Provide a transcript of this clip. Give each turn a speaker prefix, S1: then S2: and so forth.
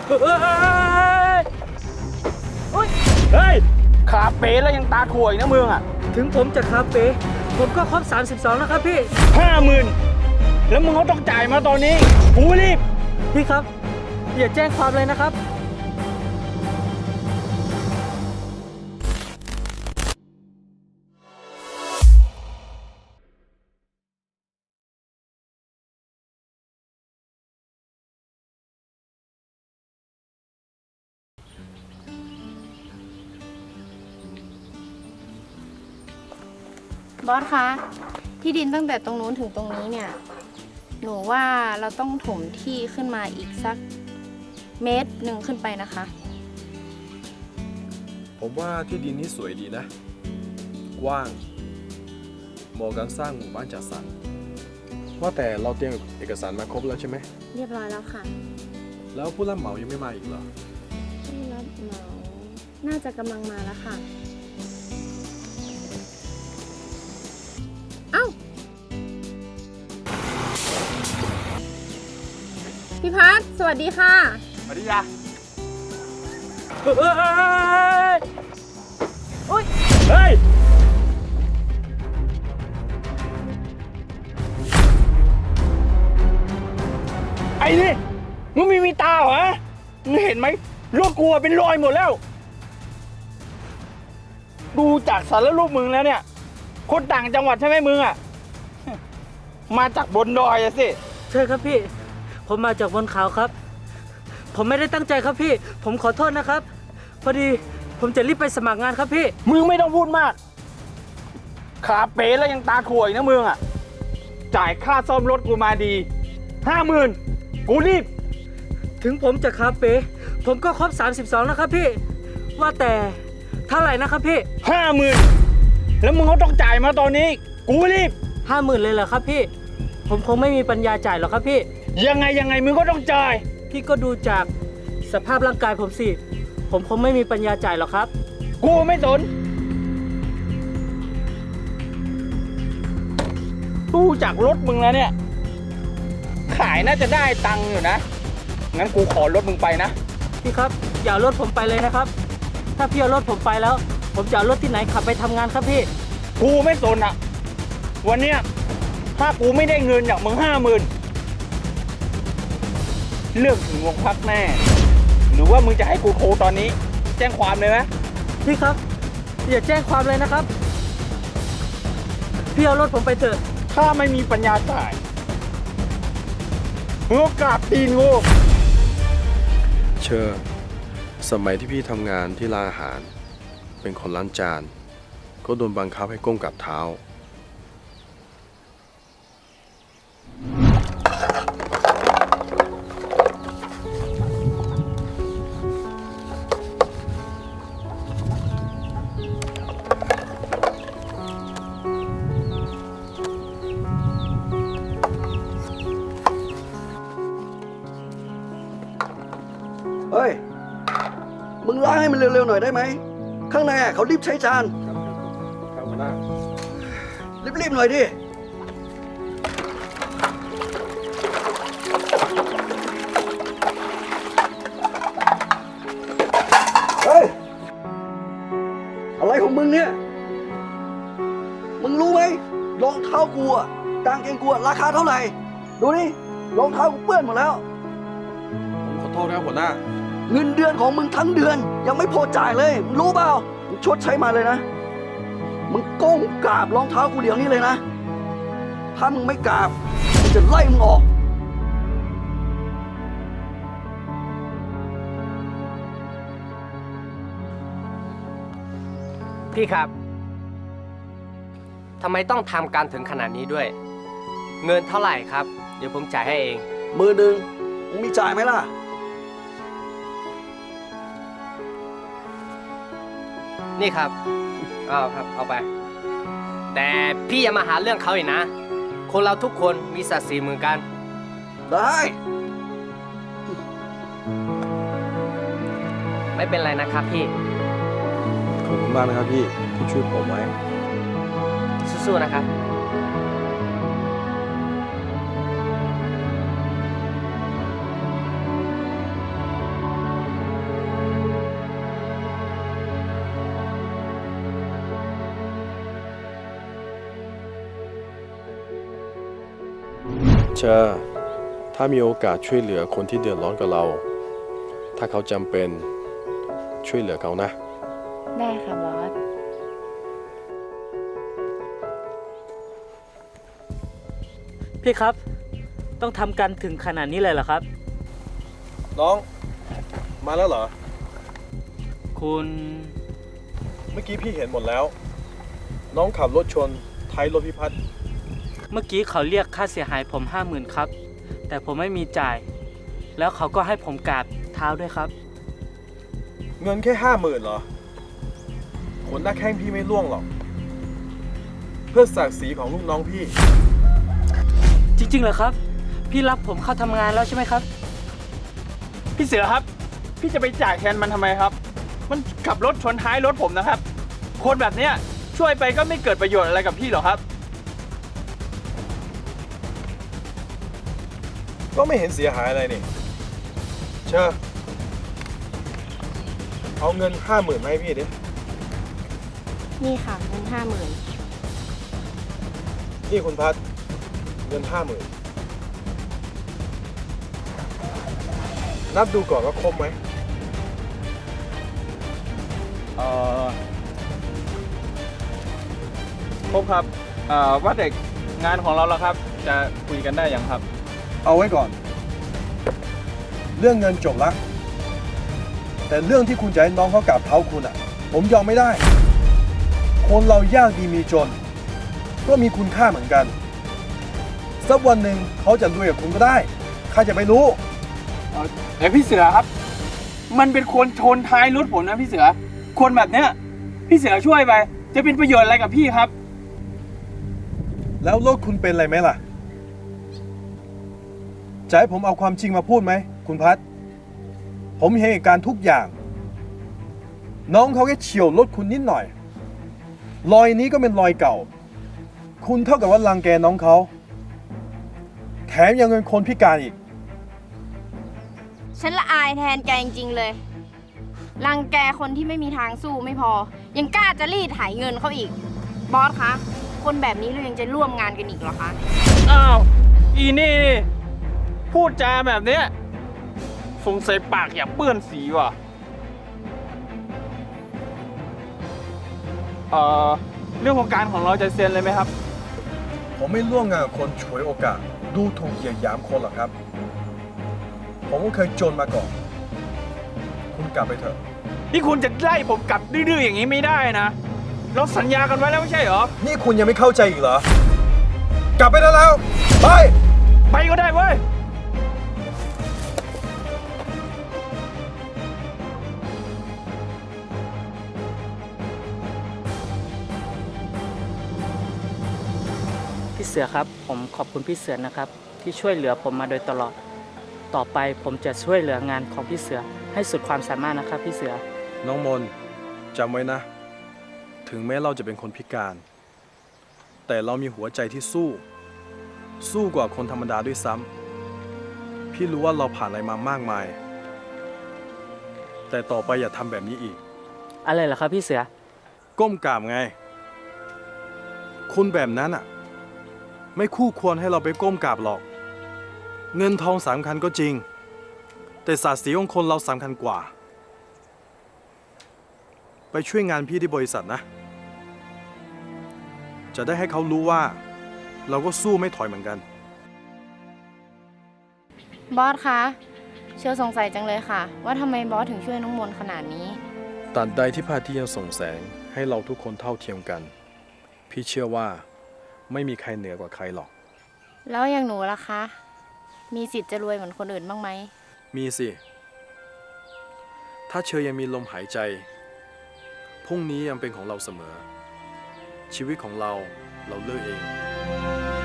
S1: เฮ้ยขาเป๋แล้วยังตาถ่วยนะมึงอ่ะ
S2: ถึงผมจะคาเฟ่ผมก็ครบ32แล้วครับพี่
S1: 50,000แล้วมึงก็ต้องจ่ายมาตอนนี้กูรีบ
S2: พี่ครับอย่าแจ้งความเลยนะครับ
S3: บอสคะที่ดินตั้งแต่ตรงนู้นถึงตรงนี้เนี่ยหนูว่าเราต้องถมที่ขึ้นมาอีกสัก1 เมตรขึ้นไปนะคะ
S4: ผมว่าที่ดินนี้สวยดีนะ กว้างเหมาะการสร้างหมู่บ้านจัดสรรว่าแต่เราเตรียมเอกสารมาครบแล้วใช่ไหม
S3: เรียบร้อยแล้วค่ะ
S4: แล้วผู้รับเหมายังไม่มาอีกเหรอ
S3: ผู้รับเหมาน่าจะกำลังมาแล้วค่ะเอ้าพี่พัฒน์สวัสดีค่ะ
S1: สวัสดีจ้ะเฮ้ยไอ้นี่มึงมีตาเหรอมึงเห็นไหมรถกูเป็นรอยหมดแล้วดูจากสารรูปมึงแล้วเนี่ยคนต่างจังหวัดใช่ไหมมึงอ่ะมาจากบนดอยอะสิ
S2: ใช่ครับพี่ผมมาจากบนเขาครับผมไม่ได้ตั้งใจครับพี่ผมขอโทษนะครับพอดีผมจะรีบไปสมัครงานครับพี่
S1: มึงไม่ต้องพูดมากขาเป๋แล้วยังตาถ่วยนะมึงอ่ะจ่ายค่าซ่อมรถกูมาดี50,000กูรีบ
S2: ถึงผมจะคาเฟ่ผมก็ครบ32แล้วครับพี่ว่าแต่เท่าไหร่นะครับพี่
S1: 50,000แล้วมึงก็ต้องจ่ายมาตอนนี้กูรีบ
S2: 50,000เลยเหรอครับพี่ผมคงไม่มีปัญญาจ่ายหรอกครับพี่
S1: ยังไงมึงก็ต้องจ่าย
S2: พี่ก็ดูจากสภาพร่างกายผมสิผมคงไม่มีปัญญาจ่ายหรอกครับ
S1: กูไม่สนดูจากรถมึงแล้วเนี่ยขายน่าจะได้ตังค์อยู่นะงั้นกูขอรถมึงไปนะ
S2: พี่ครับอย่าเอารถผมไปเลยนะครับถ้าพี่เอารถผมไปแล้วผมจะเอารถที่ไหนขับไปทำงานครับพี่
S1: กูไม่สนอ่ะวันเนี้ยถ้ากูไม่ได้เงินจากมึง50,000เลือกถึงวงพักแน่หรือว่ามึงจะให้กูโทรตอนนี้แจ้งความเลยไหม
S2: พี่ครับอย่าแจ้งความเลยนะครับพี่เอารถผมไปเถอะ
S1: ถ้าไม่มีปัญญาจ่ายมึงก็กราบตีนกู
S4: เชอสมัยที่พี่ทำงานที่ร้านอาหารเป็นคนล้างจานก็โดนบังคับให้ก้มกับเท้า
S5: เฮ้ย มึงล้างให้มันเร็วๆหน่อยได้ไหม ข้างในเขารีบใช้จาน
S4: ครับหัวหน้า
S5: รีบๆหน่อยดิ เฮ้ย อะไรของมึงเนี่ย มึงรู้ไหมรองเท้ากูอะกางเกงกูอะราคาเท่าไหร่ ดูนี่รองเท้ากูเปื้อนหมดแล้ว
S4: ผมขอโทษครับหัวหน้า
S5: เงินเดือนของมึงทั้งเดือนยังไม่พอจ่ายเลยมึงรู้เปล่ามึงชดใช้มาเลยนะมึงก้มกราบรองเท้ากูเดี๋ยวนี้เลยนะถ้ามึงไม่กราบกูจะไล่มึงออก
S6: พี่ครับทำไมต้องทำการถึงขนาดนี้ด้วยเงินเท่าไหร่ครับเดี๋ยวผมจ่ายให้เอง
S5: 10,000มึงมีจ่ายไหมล่ะ
S6: นี่ครับเอาครับเอาไปแต่พี่อย่ามาหาเรื่องเขาอีกนะคนเราทุกคนมีศักดิ์ศรีเหมือนกัน
S5: ได้
S6: ไม่เป็นไรนะครับพี่
S4: ขอบคุณมากนะครับพี่ที่ช่วยผมไว้
S6: สู้ๆนะครับ
S4: เชอถ้ามีโอกาสช่วยเหลือคนที่เดือดร้อนกับเรา ถ้าเขาจำเป็นช่วยเหลือเขานะ
S3: ได้ค่ะบอส
S2: พี่ครับ ต้องทำกันถึงขนาดนี้เลยเหรอครับ
S4: น้อง มาแล้วเหรอ
S2: คุณ
S4: เมื่อกี้พี่เห็นหมดแล้ว น้องขับรถชนท้ายรถพิพัฒน์
S2: เมื่อกี้เขาเรียกค่าเสียหายผม 50,000ครับ แต่ผมไม่มีจ่าย แล้วเขาก็ให้ผมกราบเท้าด้วยครับ
S4: เงินแค่50,000เหรอขนหน้าแข้งพี่ไม่ร่วงหรอก เพื่อศักดิ์ศรีของลูกน้องพี่
S2: จริงๆเหรอครับ พี่รับผมเข้าทำงานแล้วใช่ไหมครับ
S1: พี่เสือครับ พี่จะไปจ่ายแทนมันทำไมครับ มันขับรถชนท้ายรถผมนะครับ คนแบบเนี้ยช่วยไปก็ไม่เกิดประโยชน์อะไรกับพี่หรอกครับ
S4: ก็ไม่เห็นเสียหายอะไรนี่ เชอเอาเงิน50,000มาให้พี่ดิ
S3: นี่ค่ะเงิน50,000
S4: นี่คุณพัดเงิน50,000 นับดูก่อนว่าครบไหม
S1: ครบครับว่าแต่งานของเราแล้วครับ จะคุยกันได้ยังครับ
S4: เอาไว้ก่อน เรื่องเงินจบละแต่เรื่องที่คุณจะให้น้องเขากราบเท้าคุณอ่ะ ผมยอมไม่ได้ คนเรายากดีมีจน ก็มีคุณค่าเหมือนกัน สักวันหนึ่งเขาจะรวยกับคุณก็ได้ใครจะไปรู้
S1: แต่พี่เสือครับ มันเป็นคนชนท้ายรถผมนะพี่เสือ คนแบบเนี้ยพี่เสือช่วยไป จะเป็นประโยชน์อะไรกับพี่ครับ
S4: แล้วรถคุณเป็นอะไรไหมล่ะ จะให้ผมเอาความจริงมาพูดไหมคุณพัด ผมเห็นเหตุการณ์ทุกอย่าง น้องเขาแค่เฉี่ยวรถคุณนิดหน่อย รอยนี้ก็เป็นรอยเก่า คุณเท่ากับว่ารังแกน้องเขา แถมยังเป็นคนพิการอีก
S3: ฉันละอายแทนแกจริงๆเลย รังแกคนที่ไม่มีทางสู้ไม่พอ ยังกล้าจะรีดไถเงินเขาอีก บอสคะ คนแบบนี้เรายังจะร่วมงานกันอีกเหรอคะ
S1: อ้าว อีนี่นี่พูดจาแบบเนี้ยสงสัยปากอย่าเปื้อนสีว่ะ เรื่องของการของเราจะเซ็นเลยไหมครับ
S4: ผมไม่ร่วมงานกับคนฉวยโอกาส ดูถูกเหยียดหยามคนหรอกครับ ผมก็เคยจนมาก่อน คุณกลับไปเถอะ
S1: นี่คุณจะไล่ผมกลับดื้อๆอย่างนี้ไม่ได้นะ เราสัญญากันไว้แล้วไม่ใช่เหรอ
S4: นี่คุณยังไม่เข้าใจอีกเหรอ กลับไปได้แล้ว ไป
S1: ไปก็ได้เว้ย
S2: พี่เสือครับ ผมขอบคุณพี่เสือนะครับ ที่ช่วยเหลือผมมาโดยตลอด ต่อไปผมจะช่วยเหลืองานของพี่เสือให้สุดความสามารถนะครับพี่เสือ
S4: น้องมนจำไว้นะ ถึงแม้เราจะเป็นคนพิการ แต่เรามีหัวใจที่สู้กว่าคนธรรมดาด้วยซ้ำพี่รู้ว่าเราผ่านอะไรมามากมาย แต่ต่อไปอย่าทำแบบนี้อีก
S2: อะไรเหรอครับพี่เสือ
S4: ก้มกราบไง คุณแบบนั้นอ่ะ ไม่คู่ควรให้เราไปก้มกราบหรอก เงินทองสำคัญก็จริง แต่ศักดิ์ศรีของคนเราสำคัญกว่า ไปช่วยงานพี่ที่บริษัทนะ จะได้ให้เขารู้ว่า เราก็สู้ไม่ถอยเหมือนกัน
S3: บอสคะ เชื่อสงสัยจังเลยค่ะ ว่าทำไมบอสถึงช่วยน้องมนต์ขนาดนี้
S4: ตัดใดที่พระอาทิตย์ยังส่องแสงให้เราทุกคนเท่าเทียมกัน พี่เชื่อว่าไม่มีใครเหนือกว่าใครหรอก
S3: แล้วอย่างหนูล่ะคะ มีสิทธิ์จะรวยเหมือนคนอื่นบ้างไหม
S4: มีสิ ถ้าเชยยังมีลมหายใจ พรุ่งนี้ยังเป็นของเราเสมอ ชีวิตของเราเลือกเอง